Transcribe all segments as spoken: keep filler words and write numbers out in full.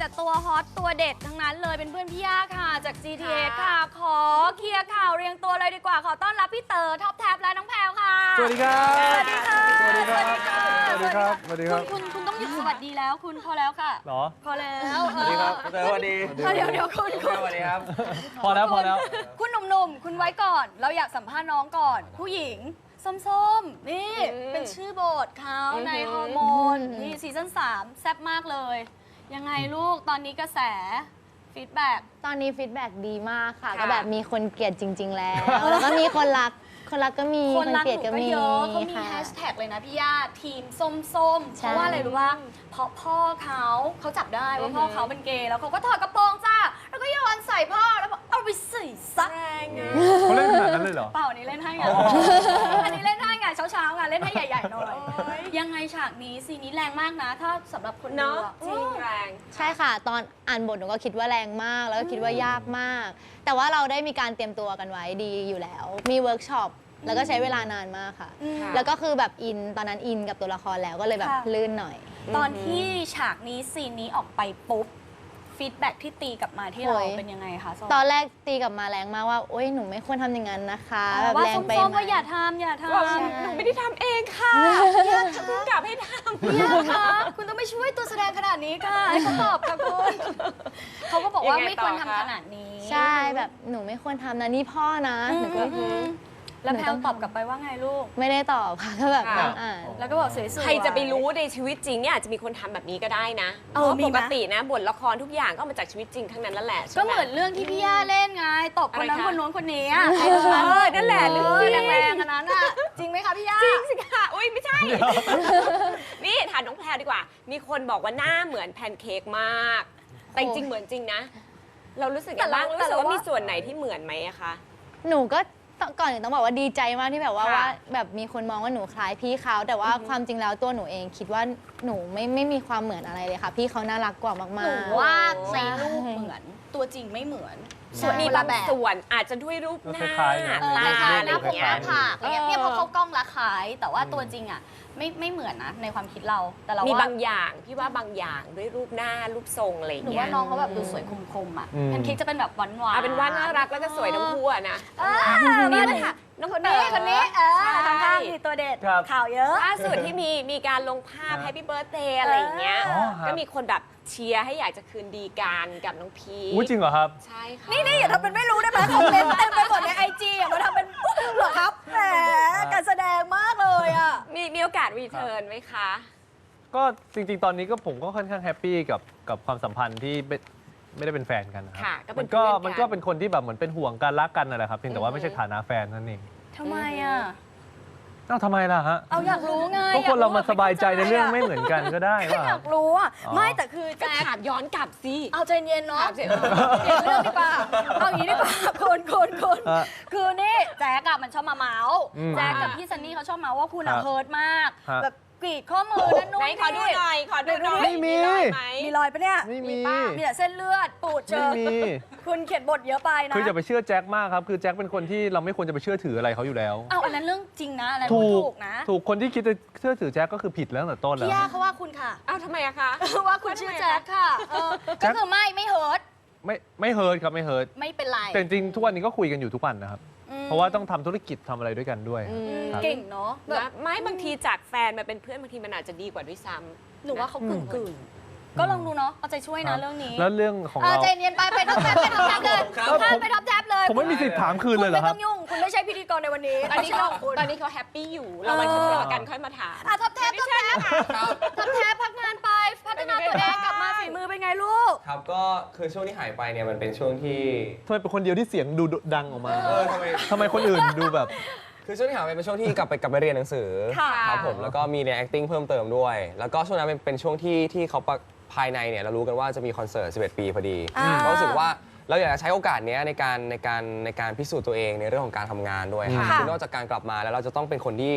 ตัวฮอตตัวเด็ดทั้งนั้นเลยเป็นเพื่อนพี่ย่าค่ะจาก จี ที เอ ค่ะขอเคลียร์ข่าวเรียงตัวเลยดีกว่าขอต้อนรับพี่เต๋อท็อปแท็บและน้องแพรวค่ะสวัสดีครับสวัสดีค่ะสวัสดีครับสวัสดีครับสวัสดีครับคุณคุณต้องหยุดสวัสดีแล้วคุณพอแล้วค่ะหรอพอแล้วสวัสดีครับเต๋อสวัสดีเดี๋ยวเดี๋ยวคุณคุณสวัสดีครับพอแล้วพอแล้วคุณหนุ่มๆคุณไว้ก่อนเราอยากสัมภาษณ์น้องก่อน ผู้หญิงส้มๆนี่เป็นชื่อโบทเขาในฮอร์โมนนี่ซีซั่นสามแซ่บมากเลยยังไงลูกตอนนี้กระแสฟีดแบ็กตอนนี้ฟีดแบ็กดีมากค่ะค่ะก็แบบมีคนเกลียดจริง ๆ แล้ว แล้วก็มีคนรัก คนรักก็มีคนรักเกลีหยดนูก็ก็มีเยอะเขามีค่ะแฮชแท็กเลยนะพี่ย่าทีมส้มๆ เพใช่ราะว่าอะไรรู้ว่าเพราะพ่อเขาเขาจับได้ว่าพ่อเขาเป็นเกย์แล้วเขาก็ถอดกระโปรงจ้าแล้วก็โยนใส่พ่อแล้วบอกเอาไปใส่ซักเขาเล่นขนาดนั้นเลยเหรอเปล่าอันนี้เล่นให้ไงอันนี้เล่นให้ไงเช้าๆไงเล่นให้ใหญ่ๆหน่อยยังไงฉากนี้ซีนนี้แรงมากนะ ถ้าสำหรับคนดูเนาะอะจริงแรงใช่ค่ะ ตอนอ่านบทหนูก็คิดว่าแรงมาก แล้วก็คิดว่ายากมาก แต่ว่าเราได้มีการเตรียมตัวกันไว้ดีอยู่แล้ว มีเวิร์กช็อป แล้วก็ใช้เวลานานมากค่ะอืมแล้วก็คือแบบอิน ตอนนั้นอินกับตัวละครแล้วก็เลยแบบค่ะลื่นหน่อยตอนที่ฉากนี้ซีนนี้ออกไปปุ๊บฟีดแบ็กที่ตีกลับมาที่เราโอ้ยเป็นยังไงคะส้มตอนแรกตีกลับมาแรงมากว่า โอ๊ย หนูไม่ควรทำอย่างนั้นนะคะ แบบว่าแรงไปส้มๆไหมว่าอย่าทำอย่าทำว่าหนูไม่ได้ทำเองค่ะเพิ่งกลับให้ทำพี่ย่าคะคุณต้องไม่ช่วยตัวแสดงขนาดนี้ค่ะให้เขาตอบค่ะคุณเขาก็บอกว่ายังไงไม่ควรต่อทำคะขนาดนี้ใช่แบบหนูไม่ควรทำนะนี่พ่อนะอืหนูก็มแล้วหนูแพลต้วองตอบกลับไปว่าไงลูกไม่ได้ตอบค่ะก็แบบค่ะนั่งอ่านแล้วก็บอกสวยๆใครจะไปรู้ในชีวิตจริงเนี่ยอาจจะมีคนทำแบบนี้ก็ได้นะเออมีปไหมกตินะบทละครทุกอย่างก็มาจากชีวิตจริงทั้งนั้นนั่นแหละใช่ก็ไเหมือนเรื่องที่พี่ย่าเล่นไงตบคนนั้นอะไรคะคนนู้นคนนี้อะเออนั่นแหละเอเรื่อองแรงๆอันนั้นอะจริงไหมคะพี่ย่าจริงสิค่ะอุ้ยไม่ใช่ นี่ถามน้องแพรวดีกว่า มีคนบอกว่าหน้าเหมือนแพนเค้กมาก แต่จริงๆเหมือนจริงนะ เรารู้สึกยังไงบ้างรู้สึกว่ามีส่วนไหนที่เหมือนไหมอะคะหนูก็ต้องก่อนอื่นต้องบอกว่าดีใจมากที่แบบว่าค่ะว่าแบบมีคนมองว่าหนูคล้ายพี่เขาแต่ว่าความจริงแล้วตัวหนูเองคิดว่าหนูไม่ไม่มีความเหมือนอะไรเลยค่ะ พี่เขาน่ารักกว่ามากๆหนูว่าในรูปเหมือนตัวจริงไม่เหมือนใช่ส่วนมีคนบาละงแบบส่วนอาจจะด้วยรูปหน้าคล้ายๆกันเออตาคล้ายๆหอะไรน้าอผย่างมหเงี้น้าย ผากอะไรเงี้ยเนี่ยพอเข้ากล้องละคล้าย แต่ว่าตัวจริงอะไม่ไม่เหมือนนะในความคิดเราแต่เรามีว่าบางอย่างพี่ว่าบางอย่างด้วยรูปหน้ารูปทรงอะไรอหย่างนูเงี้ว่าย น้องเขาแบบดูสวยคมๆอะอืมแพนเค้กจะเป็นแบบหวานๆเอาเป็นว่าน่ารักแล้วก็สวยทั้งคู่อะนะอ่านี่นี่แหเลละยค่ะค่ะน้องคนเต๋นี้อคนนี้เออใช่ข้างๆมีตัวเด็ดครับข่าวเยอะล่าสุดที่มีมีการลงภาพ Happy Birthday อะไรอย่างเงี้ยอ๋อครับก็มีคนแบบเชียร์ให้อยากจะคืนดีกันกับน้องพีอุ้ยจริงเหรอครับใช่ค่ะนี่นี่อย่าทำเป็นไม่รู้ได้ไหมคอมเมนต์เต็มไปหมดในไอจีอย่ามาทำเป็นเหรอครับแหมการแสดงมากเลยอ่ะมีมีโอกาสรีเทิร์นไหมคะก็จริงๆ ตอนนี้ก็ผมก็ค่อนข้างแฮปปี้กับกับความสัมพันธ์ที่ไม่ไม่ได้เป็นแฟนกันนะครัค่ะก็เป็มัน นก็เพื่อนกันมันก็เป็นคนที่แบบเหมือนเป็นห่วงกันรักกันนั่นแหละครับเพียงแต่ว่าอือฮึไม่ใช่ฐานะแฟนนั่นเองทำไมอ่ะเอ้าทำไมล่ะฮะเอาอยากรู้ไงก็คนเรามาสบายใจในเรื่องไม่เหมือนกันก็ได้แค่ว่าอยากรู้อ่ะอ๋อไม่แต่คือก็แจ๊คถามย้อนกลับสิเอาใจเย็นเนาะถามสิเปลี่ยนเรื่องดีกว่าเอาอย่างนี้ดีกว่าคนคนคนฮะคือนี่แจ๊กอะมันชอบมาเมาส์อืมแจ๊กกับพี่ซันนี่เขาชอบเมาส์ว่าคุณครัอะบเฮิร์ตมากฮะแบบกรีดข้อมือนั่นนู่นไหนขอดูหน่อย ขอดูหน่อยไม่มีรอยไหมมีรอยปะเนี่ยไม่มีมีป่ะมีแต่เส้นเลือดปูดเชิไม่ญมีคุณเขียนบทเยอะไปนะคืออย่าไปเชื่อแจ็คมากครับ คือแจ็คเป็นคนที่เราไม่ควรจะไปเชื่อถืออะไรเขาอยู่แล้วเอาอันนั้นเรื่องจริงนะอันนั้นถูพูดกถูกนะถูกคนที่คิดจะเชื่อถือแจ็คก็คือผิดแล้วตั้งแต่ต้นแล้พี่วย่าเขาว่าคุณค่ะอ้าวทำไมอะคะว่าคุณชื่อแจ๊คค่ะเออแจ๊ก็คคือไม่ไม่เฮิร์ตไม่ไม่เฮิร์ตครับไม่เฮิร์ตไม่เป็นไรแต่จริงๆทุกวันนี้ก็คุยกันอยู่ทุกวันนะครับอืมเพราะว่าต้องทำธุรกิจทำอะไรด้วยกันด้วยอืมครับเก่งเนาะแบบนะไม่บางทีจากแฟนมาเป็นเพื่อนบางทีมันอาจจะดีกว่าด้วยซ้ำหนูว่าเขากึ่งกึ่งๆก็ลองดูเนาะเอาใจช่วยนะเรื่องนี้แล้วเรื่องของเออเราใจเย็นไปไปท็อปแท็บไปท็อปแท็บเลยข้ามไปท็อปแท็บเลยผมไม่มีสิทธิ์ถามคืนคุณเลยเหรไม่อคต้รับองยุ่ง คุณไม่ใช่พิธีกรในวันนี้ตอนนี้เขาไม่ใช่คุณตอนนี้เขาแฮปปี้อยู่ เรามาทะเลาะกันค่อยมาถามอ่ะท็อปแท็บท็อปแท็บท็อปแท็บพักงานไปพัฒนาตัวเองกลับมาฝีมือเป็นไงลูกครับก็คือช่วงที่หายไปเนี่ยมันเป็นช่วงที่ทำไมเป็นคนเดียวที่เสียงดูดังออกมาเออทำไมทำไมคนอื่นดูแบบคือช่วงที่หายไปเป็นช่วงที่กลับไปกลับไปเรียนหนังสือค่ะครับผมแล้วก็มีเรียน acting เพิ่มเติมด้วย แล้วก็ช่วงนั้นเป็นเป็นช่วงที่ที่เขาปะภายในเนี่ยเรารู้กันว่าจะมีคอนเสิร์ตสิบเอ็ดปีพอดีอ่าก็รู้สึกว่าเราอยากจะใช้โอกาสเนี้ยในการในการในการพิสูจน์ตัวเองในเรื่องของการทำงานด้วยครับค่ะคือนอกจากการกลับมาแล้วเราจะต้องเป็นคนที่เป็น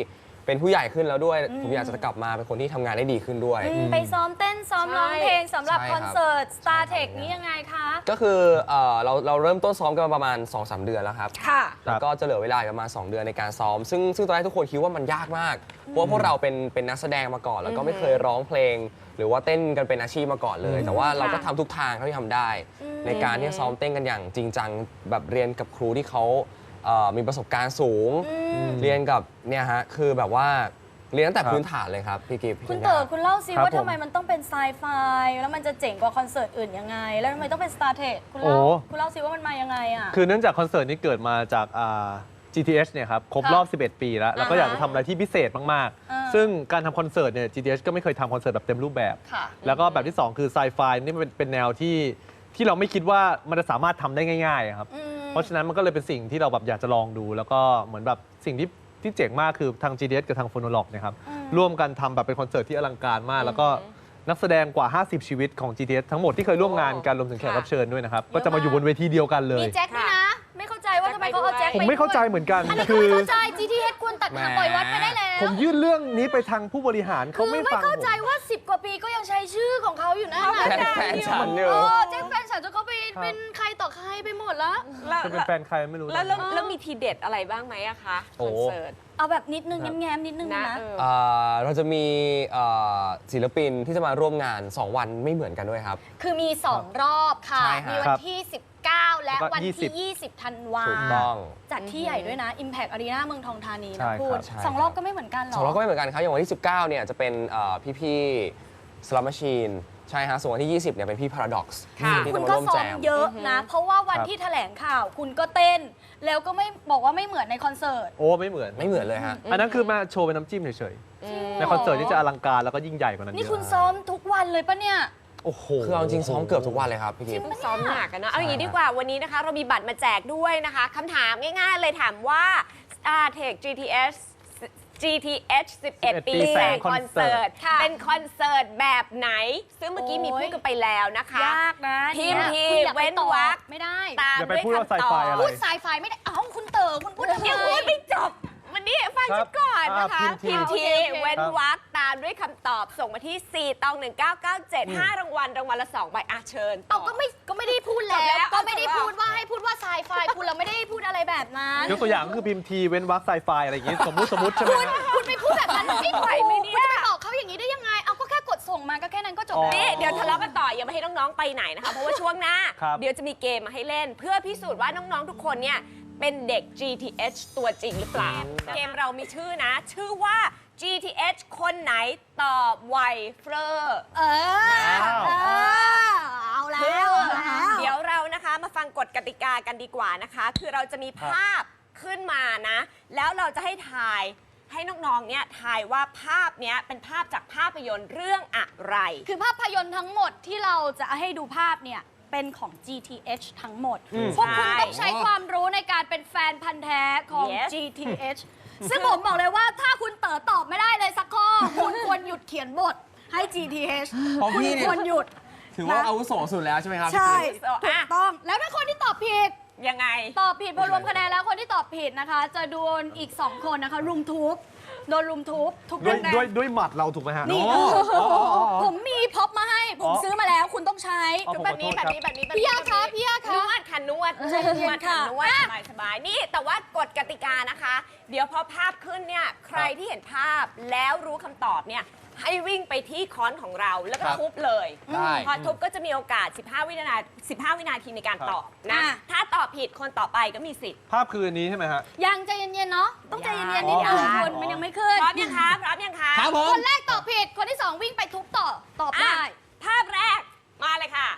เป็นผู้ใหญ่ขึ้นแล้วด้วยอืมผมอยากจะกลับมาเป็นคนที่ทำงานได้ดีขึ้นด้วยอืมไปซ้อมเต้นซ้อมร้องเพลงสำหรับใช่คครับอนเสิร์ตใช่ StarTech ครับนี้ยังไงคะก็คือเอ่อเราเราเริ่มต้นซ้อมกันมาประมาณ สองสาม เดือนแล้วครับค่ะแล้วก็จะเหลือเวลาอีกประมาณ สอง เดือนในการซ้อม ซึ่งซึ่งตอนแรกทุกคนคิดว่ามันยากมาก เพราะว่าพวกเราเป็นเป็นนักแสดงมาก่อน แล้วก็ไม่เคยร้องเพลง หรือว่าเต้นกันเป็นอาชีพมาก่อนเลย แต่ว่าเราก็ทำทุกทางเท่าที่ทำได้อืมในการที่จะซ้อมเต้นกันอย่างจริงจังแบบเรียนกับครูที่เขาเอ่อมีประสบการณ์สูงอืมเรียนกับเนี่ยฮะคือแบบว่าเรียนตั้งแต่ครับพื้นฐานเลยครับพี่กิฟต์พี่คุณธัญญาเต๋อคุณเล่าซิครับว่าผมทำไมมันต้องเป็นไซไฟแล้วมันจะเจ๋งกว่าคอนเสิร์ตอื่นยังไง แล้วทำไมต้องเป็น StarTech คุณเล่าโอ้คุณเล่าซิว่ามันมายังไงอ่ะคือเนื่องจากคอนเสิร์ตนี้เกิดมาจากอ่า จี ที เอช เนี่ยครับครบรอบ สิบเอ็ด ปีแล้ว แล้วก็อ่าฮะอยากจะทำอะไรที่พิเศษมากอ่าๆ ซึ่งการทำคอนเสิร์ตเนี่ย จี ที เอช ก็ไม่เคยทำคอนเสิร์ตแบบเต็มรูปแบบค่ะแล้วก็แบบที่ สอง คือไซไฟนี่เป็นเป็นแนวที่ที่เราไม่คิดว่ามันจะสามารถทำได้ง่ายๆอะครับอืมเพราะฉะนั้นมันก็เลยเป็นสิ่งที่เราแบบอยากจะลองดู แล้วก็เหมือนแบบสิ่งที่ที่เจ๋งมากคือทาง จี ที เอช กับทาง Phonolog เนี่ยครับอืมร่วมกันทำแบบเป็นคอนเสิร์ตที่อลังการมาก แล้วก็นักแสดงกว่า ห้าสิบ ชีวิตของ จี ที เอช ทั้งหมดที่เคยร่วมงานกันรวมถึงแขกรับเชิญด้วยนะครับ ก็จะมาอยู่บนเวทีเดียวกันเลยมีแจ็คด้วยนะ ไม่เข้าใจว่าทำไมเขาเอาแจ็คไปผมไม่เข้าใจเหมือนกันอันนี้คืคืออเข้าใจ จี ที เอช ควรตัดขาปล่อยวัดไปได้แล้วผมยื่นเรื่องนี้ไปทางผู้บริหารเขาคือไม่ไม่ฟังเข้าผมใจว่า สิบ กว่าปีก็ยังใช้ชื่อของเขาอยู่นะแฟนแฟนฉันอยู่เออแจ็คแฟนฉันจนเขาไปครับเป็นใครต่อใครไปหมดแล้วแล้วจะเป็นแฟนใครไม่รู้นะแล้วแล้วแล้วมีทีเด็ดอะไรบ้างไหมอะคะคโอ้อนเสิร์ตเอาแบบนิดนึงครับแง้มๆนิดนึงนะนะเออเอ่อเราจะมีเอ่อศิลปินที่จะมาร่วมงาน สอง วันไม่เหมือนกันด้วยครับคือมี สอง รอบค่ะใช่ฮะมีวันที่ สิบเก้า และแล้วก็วันยี่สิที่บยี่สิบ ธันวาถูกต้องจัดที่ใหญ่ด้วยนะ Impact Arena เมืองทองธานีใช่นะพูดครับใช่สองรอบก็ไม่เหมือนกันหรอสองเราก็ไม่เหมือนกันครับ อย่างวันที่ สิบเก้า เนี่ยจะเป็นเอ่อพี่ๆ Slot Machine ใช่ฮะ ส่วนวันที่ ยี่สิบ เนี่ยเป็นพี่ Paradox ค่ะที่คุจะณมาก็ร่วมซ้อแจมมเยอะนะ เพราะว่าวันครับที่แถลงข่าวคุณก็เต้น แล้วก็ไม่บอกว่าไม่เหมือนในคอนเสิร์ตโอ้ไม่เหมือนไม่เหมือนเลยฮะอันนั้นคือมาโชว์เป็นน้ำจิ้มเฉยๆในคอนเสิร์ตที่จะอลังการแล้วก็ยิ่งใหญ่กว่านั้นนี่เยอะคุณซ้อมทุกวันเลยปะเนี่ยโอ้โหคือเอาจริงซ้อมเกือบทุกวันเลยครับพี่กิฟต์ซ้อมหนักกันเนอะเอาอย่างนี้ใช่ดีกว่าวันนี้นะคะ เรามีบัตรมาแจกด้วยนะคะคำถามง่ายๆเลยถามว่า StarTech จี ที เอช จี ที เอช สิบเอ็ด ปีแสงคอนเสิร์ตค่ะเป็นคอนเสิร์ตแบบไหน ซึ่งเมื่อกี้มีโอ้ยพูดกันไปแล้วนะคะยากนะพิมพ์เนี่ยทีคุณอย่าไปเว้นตอบวรรคไม่ได้ตามอย่าไปด้วยพูดว่าคำตอบ sci-fi อะไรพูดสายไฟไม่ได้ เอ้าคุณเต๋อคุณพูดทำไมยังพูดไม่จบวันนี้ฟังครัฉับนก่อนนะคะอ่าพิพิมมพ์พ์ทีทีโอเคเว้นวรรคตามด้วยคำตอบส่งมาที่ สี่ ตอง หนึ่ง เก้า เก้า เจ็ด ห้ารางวัลรางวัลละสองใบอาเชิญเอาก็ไม่ก็ไม่ได้พูดแล้จบแล้ว วก็ไม่ได้จบแล้วพูดว่าให้พูดว่าสายไฟคุณเราไม่ได้พูดอะไรแบบนั้นยกตัวอย่างก็คือพิมพ์ทีเว้นวรรคไซไฟอะไรอย่างงี้สมมุติสมมุติใช่ไหมฮะคุณไปพูดแบบนั้นมันไม่ไหวไหมไม่เนี่เนี่ยยคุณจะไปบอกเขาอย่างนี้ได้ยังไง เอาก็แค่กดส่งมาก็แค่นั้นก็จบอ๋อแล้วนี่เดี๋ยวทะเลาะกันต่ออย่ามาให้น้องๆไปไหนนะคะ เพราะว่าช่วงหน้าครับเดี๋ยวจะมีเกมมาให้เล่น เพื่อพิสูจน์ว่าน้องๆทุกคนเนี่ยเป็นเด็ก จี ที เอช ตัวจริงหรือเปล่า เกมเรามีชื่อนะ ชื่อว่า จี ที เอช คนไหนตอบไวเฟอร์เออว้าวเออเอาแล้วเอาแล้วเดี๋ยวเรานะคะมาฟังกฎกติกากันดีกว่านะคะ คือเราจะมีภาพขึ้นมานะ แล้วเราจะให้ทายให้น้องๆเนี่ยทายว่าภาพเนี้ยเป็นภาพจากภาพยนตร์เรื่องอะไรคือภาพยนตร์ทั้งหมดที่เราจะให้ดูภาพเนี่ย เป็นของ จี ที เอช ทั้งหมดอืมพวกคุณใช่ต้องใช้ความรู้ในการเป็นแฟนพันธ์แท้ของ Yes จี ที เอช ซึ่งผมบอกเลยว่าถ้าคุณเต๋อตอบไม่ได้เลยสักข้อ คุณควรหยุดเขียนบทให้ จี ที เอชเพราะคุณพี่เนี่ยควรหยุดถือว่าอาวุโสสุดแล้วใช่ไหมครับพี่ใช่กิฟต์ถูกต้อง แล้วถ้าคนที่ตอบผิดยังไงตอบผิดพอรวมคะแนนแล้วคนที่ตอบผิดนะคะ จะโดนอีก สอง คนนะคะ รุมทุบโดนรุมทุบทุบด้วยแรงๆด้วยด้วยหมัดเราถูกไหมฮะนี่อ๋ออ๋ออ๋ออ๋อผมมีพ็อปมาให้ ผมอ๋อซื้อมาแล้วคุณต้องใช้อ๋อคือแบบนี้ผมขแบอบ โทษนี้แบบนี้แบบพี่นี้ยาคะพี่ยาคะนวดค่ะนวดใจเย็นนวดค่ะค่ะนวดสบายสบายนี่แต่ว่ากฎกติกานะคะ เดี๋ยวพอภาพขึ้นเนี่ยใครที่เห็นภาพแล้วรู้คำตอบเนี่ยให้วิ่งไปที่ค้อนของเราแล้วก็ครับทุบเลยได้พอทุบก็จะมีโอกาส สิบห้า วินาที15 วินาทีในการครับตอบนะอ่ะถ้าตอบผิดคนต่อไปก็มีสิทธิ์ภาพคืออันนี้ใช่ไหมฮะยังใจเย็นๆเนาะต้องใจเย็นๆนิดอ๋นึองคุณมันยังไม่ขึ้นพร้อมยังคะพร้อมยังคะครับผมคนแรกตอบผิดคนที่สองวิ่งไปทุบต่อตอบอ่ะได้ภาพแรกมาเลยค่ะ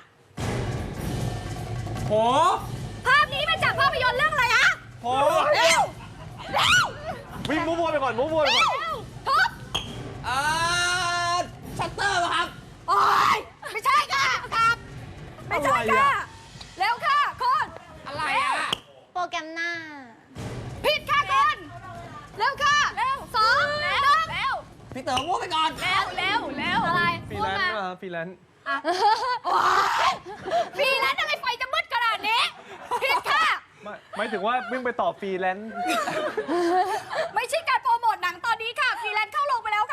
โหภาพนี้มาจากภาพยนตร์เรื่องอะไรอะโอ้เร็วเร็ววิ่งมั่วๆไปก่อนมั่วๆไปก่อนเร็วทุบอ่าชัตเตอร์ครับโอ๊ยไม่ใช่ค่ะครับไม่ใช่อะไรค่ะอะเร็วค่ะคนอะไรอ่ะโปรแกรมหน้าผิดค่ะคนเร็วค่ะเร็วสองหนึ่งเร็วพี่เต๋อมั่วไปก่อนเร็วเร็วเร็วอะไรฟรีพูดแลนมาซ์มาฟรีแลนซ์โอ๊ยฟรีแลนซ์อะไรไฟจะมืดขนาดนี้ผิดค่ะไม่หมายถึงว่าวิ่งไปต่อฟรีแลนซ์ไม่ใช่การโปรโมทหนังตอนนี้ค่ะฟรี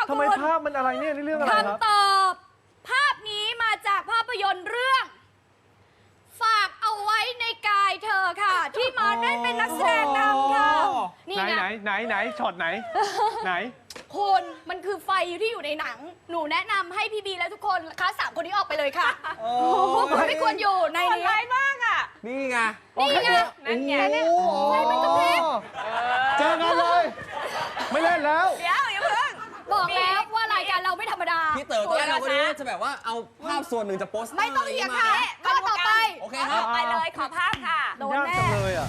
ทำไมคุณภาพมันอะไรเนี่ยนี่เรื่องอะไรครับคำตอบ ภาพนี้มาจากภาพยนตร์เรื่อง ฝากเอาไว้ในกายเธอค่ะ ที่มาได้เป็นนักแสดงนำค่ะ นี่ไหนไงไหนไหนไหนช็อตไหน ไหนคุณมันคือไฟที่อยู่ในหนัง หนูแนะนำให้พี่บีและทุกคนคะสามคนนี้ออกไปเลยค่ะพวกคุณไม่ควรอยู่ในคนนี้ร้ายมากอ่ะนี่ไงนี่ไงนั่นไงไฟมันกระพริบเจอกันเลย ไม่เล่นแล้วเดี๋ยวอย่าเพิ่งบอกแล้วว่ารายการเราไม่ธรรมดาพี่เต๋อตอนแรกเราก็นึกว่าจะแบบว่าเอาภาพส่วนหนึ่งจากโปสเตอร์ไม่ต้องเถียงมาค่ะข้อต่อไปโอเคครับไปเลยขอภาพค่ะโดนยากแน่จังเลยอ่ะ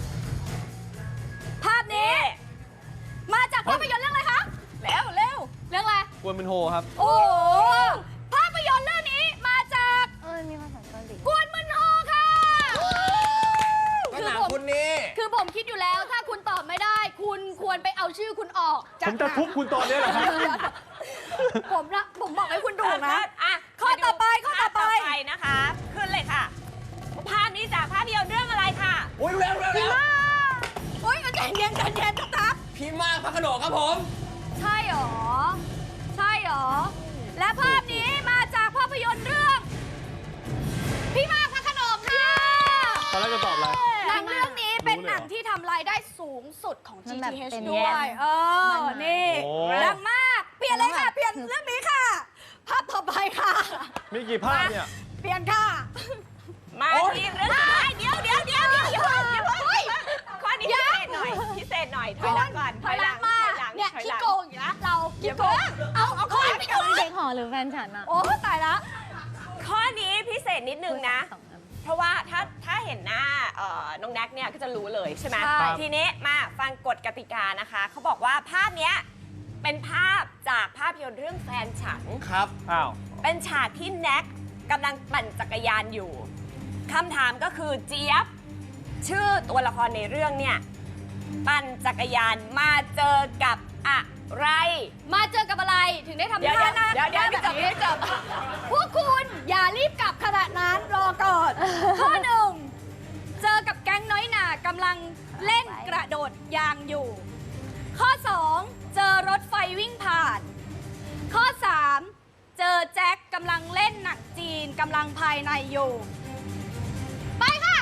ภาพนี้ มาจากภาพยนตร์เรื่องอะไรคะเร็วเร็วเรื่องอะไรกวนเป็นโฮครับโอ้โหภาพยนตร์เรื่องนี้มาจากเออมีภาษาเกาหลีกวนมึนโฮค่ะก็หนังคนนี้คือผมคิดอยู่แล้วถ้าคุณตอบไม่ได้ คุณควรไปเอาชื่อคุณออกผจากมจะทุบคุณตอนนี้แหละครับผมนะผมบอกให้คุณดูนะอ่ะข้อต่อไปข้อต่อไปภาพนะคะ ขึ้นเลยค่ะ ภาพนี้จากภาพยนตร์เรื่องอะไรค่ะโอ้ยเร็วเร็วเร็วโอ๊ยใจเย็นใจเย็นตับพี่มากพระโขนงครับผมใช่หรอ ใช่หรอ และภาพนี้มาจากภาพยนตร์เรื่อง พี่มากพระโขนงค่ะตอนแรกจะตอบอะไรหนังเรื่องนี้เป็นรู้เลยเหรอหนังที่ทำรายได้สูงสุดของมันแบบจี ที เอชเป็นด้วย เออ นี่โอ้ดังมาก เปลี่ยนเลยค่ะ เปลี่ยนเรื่องนี้ค่ะ ภาพต่อไปค่ะมีกี่ภาพเนี่ยเปลี่ยนค่ะมาที่เรื่องสุดท้ายเดี๋ยวเดี๋ยวเดี๋ยวเดี๋ยวอย่าเพิ่งอย่าเพิ่งข้อนี้พิเศษหน่อย พิเศษหน่อย ถอยหลังก่อนถอยหลังมาถอยหลังเนี่ยถอยขี้หลังโกงอยู่นะเราขี้โกง เอาเอาข้อนี้ไปก่อนเด็กหอหรือแฟนฉันอะโอ้ตายละข้อนี้พิเศษนิดนึงนะสองอันเพราะว่าถ้าถ้าเห็นหน้าเอ่อน้องแน็กเนี่ยก็จะรู้เลยใช่ไหมใช่ทีนี้มาฟังกฎกติกานะคะ เขาบอกว่าภาพเนี้ยเป็นภาพจากภาพยนตร์เรื่องแฟนฉันครับอ้าวเป็นฉากที่แน็กกำลังปั่นจักรยานอยู่คำถามก็คือเจี๊ยบ ชื่อตัวละครในเรื่องเนี่ย ปั่นจักรยานมาเจอกับอะไรมาเจอกับอะไรถึงได้ทำเดี๋ยวท่าหน้าเดี๋ยวเดี๋ยวหน้าแบบนี้เดี๋ยวเดี๋ยวพวกคุณอย่ารีบกลับขณะนั้นรอก่อน ข้อหนึ่งเจอกับแก๊งน้อยหน่ากำลังเล่นกระโดดยางอยู่ ข้อสองเจอรถไฟวิ่งผ่าน ข้อสามเจอแจ็คกำลังเล่นหนังจีนกำลังภายในอยู่ ไปค่ะ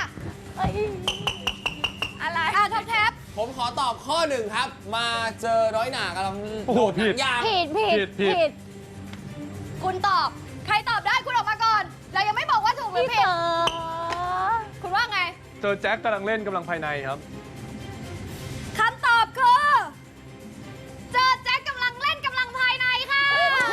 อะไรอ่ะท็อปแท็บผมขอตอบข้อหนึ่งครับ มาเจอร้อยหนากำลังโอ้โหผิดยางผิดผิดผิดผิดผิดคุณตอบ ใครตอบได้คุณออกมาก่อน เรายังไม่บอกว่าถูกหรือพี่ผิดเต๋อคุณว่าไงเจอแจ็คกำลังเล่นกำลังภายในครับคำตอบคือ เจอแจ็คกำลังเล่นกำลังภายในค่ะ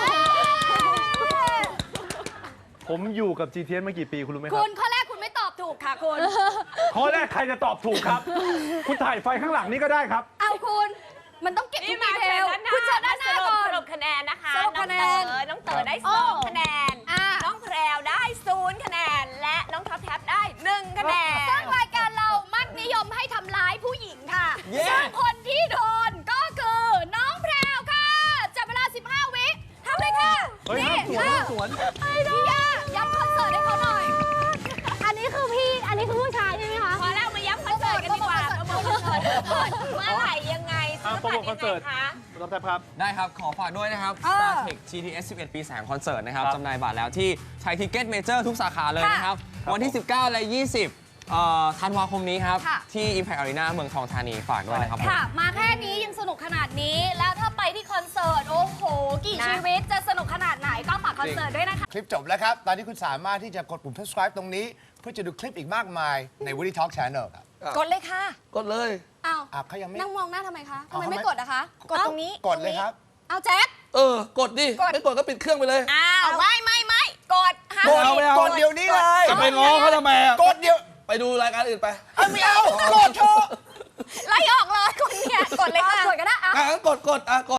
ผมอยู่กับ จี ที เอส มากี่ปีคุณรู้ไหมคคุรับณข้อแรกคุณไม่ตอบถูกค่ะคุณข้อแรกใครจะตอบถูกครับ คุณถ่ายไฟข้างหลังนี่ก็ได้ครับเอาคุณ มันต้องเก็บทุนี่กมาดีเทเชิญลด้านหน้าคุณเชิญด้านหน้าสรุปก่อนสรุปคะแนนนะคะสรุปคะแนนน้องเต๋อน้องเต๋อได้โอ้สองคะแนนอ่ะน้องแพรวได้ศูนย์คะแนน และน้องท็อปแท็บได้หนึ่งคะแนนซึ่งรายการเรามักนิยมให้ทำร้ายผู้หญิงค่ะเย้ซึ่งคนที่โดนก็คือน้องแพรวค่ะ จับเวลา สิบห้า วิทำเลยค่ะเฮ้ยนี่ห้ามสวนค่ะห้ามสวนพี่ย่าย้ำคอนเสิร์ตให้เขาหน่อยอันนี้คือพี่ อันนี้คือผู้ชายใช่ไหมคะพอแล้วมาย้ำคอนเสิร์ตกันดีกว่าโปรโมทคอนเสิร์ตเมื่อไหร่ยังไงอ่ะโปรโมทคอนเสิร์ตยังไงคะรับแท็บครับได้ครับ ขอฝากด้วยนะครับเออ StarTech จี ที เอส สิบเอ็ด ปีแสงคอนเสิร์ตนะครับครับจำหน่ายบัตรแล้วที่ไทยทิเก็ตเมเจอร์ทุกสาขาเลยนะครับครับวันที่ สิบเก้า และ ยี่สิบเอ่อธันวาคมนี้ครับค่ะที่ Impact Arena เมืองทองธานีฝากด้วยนะครับผมค่ะ มาแค่นี้ยังสนุกขนาดนี้ แล้วถ้าไปที่คอนเสิร์ต โอ้โห กี่นะชีวิตจะสนุกขนาดไหนก็ฝากคอนเสิร์ตด้วยนะคะคลิปจบแล้วครับ ตอนนี้คุณสามารถที่จะกดปุ่ม subscribe ตรงนี้ เพื่อจะดูคลิปอีกมากมายใน Woody Talk Channel ครับกดเลยค่ะกดเลยอ้าวอ่ะเขายังไม่นั่งมองหน้าทำไมคะทำเอาไมทำไมไม่กดอะคะกดตรงนี้กดเลยครับเอาแจ็คเออ กดดิ ไม่กดก็ปิดเครื่องไปเลยอ้าว ไม่ไม่ไม่กดห้ามกดเอาไม่เอากดเดี๋ยวนี้เลยจะไปง้อเขาทำไมอ่ะกดเดี๋ยวไปดูรายการอื่นไปเอาไม่เอา กดเถอะไล่ออกเลยคนเนี่ยกดเลยค่ะกดก็ได้อะอ่ะงั้นกดกดอ่ะกด